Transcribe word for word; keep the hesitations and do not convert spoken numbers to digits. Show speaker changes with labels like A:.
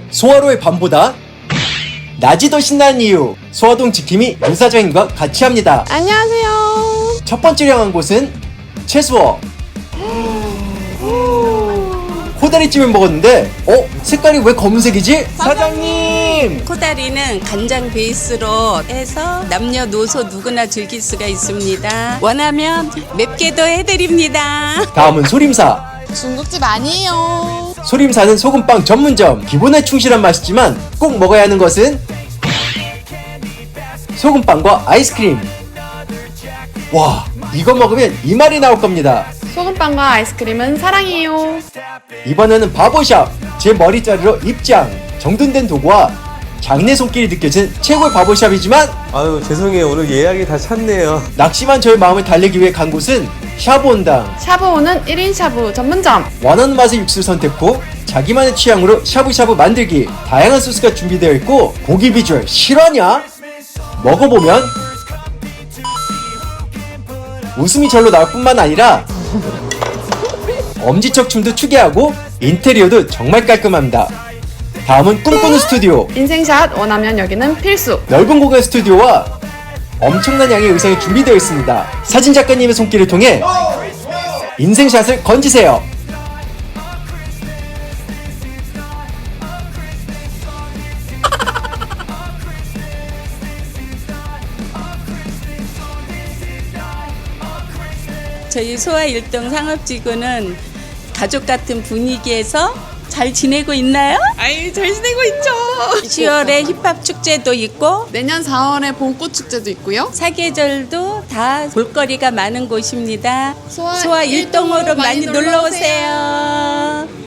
A: 소화로의 밤보다 낮이 더 신나는 이유, 소화동 지킴이 유사장님과 같이 합니다.
B: 안녕하세요.
A: 첫 번째로 향한 곳은 채수어. 코다리찜을 먹었는데 어? 색깔이 왜 검은색이지? 사장님!
C: 코다리는 간장 베이스로 해서 남녀노소 누구나 즐길 수가 있습니다. 원하면 맵게도 해드립니다.
A: 다음은 소림사.
B: 중국집 아니에요.
A: 소림사는 소금빵 전문점. 기본에 충실한 맛이지만 꼭 먹어야 하는 것은 소금빵과 아이스크림. 와, 이거 먹으면 이 말이 나올 겁니다.
B: 소금빵과 아이스크림은 사랑이에요.
A: 이번에는 바보샵. 제 머리자르러 입장. 정돈된 도구와 장내 손길이 느껴진 최고의 바보샵이지만
D: 아유 죄송해요, 오늘 예약이 다 찼네요.
A: 낙심한 저의 마음을 달래기 위해 간 곳은 샤브온당.
B: 샤브오는 일 인 샤브 전문점.
A: 원하는 맛의 육수를 선택 후 자기만의 취향으로 샤브샤브 만들기. 다양한 소스가 준비되어 있고 고기 비주얼 실화냐? 먹어보면 웃음이 절로 나올 뿐만 아니라 엄지척 춤도 추게 하고 인테리어도 정말 깔끔합니다. 다음은 꿈꾸는 스튜디오.
B: 인생샷 원하면 여기는 필수.
A: 넓은 공간 스튜디오와 엄청난 양의 의상이 준비되어 있습니다. 사진 작가님의 손길을 통해 인생샷을 건지세요.
C: 저희 소아일동 상업지구는 가족 같은 분위기에서 잘 지내고 있나요?
B: 아이, 잘 지내고 있죠.
C: 시월에 힙합 축제도 있고
B: 내년 사월에 봄꽃 축제도 있고요.
C: 사계절도 다 볼거리가 많은 곳입니다.
B: 소아
C: 소아 일동으로
B: 일동으로
C: 많이
B: 많이
C: 놀러 오세요.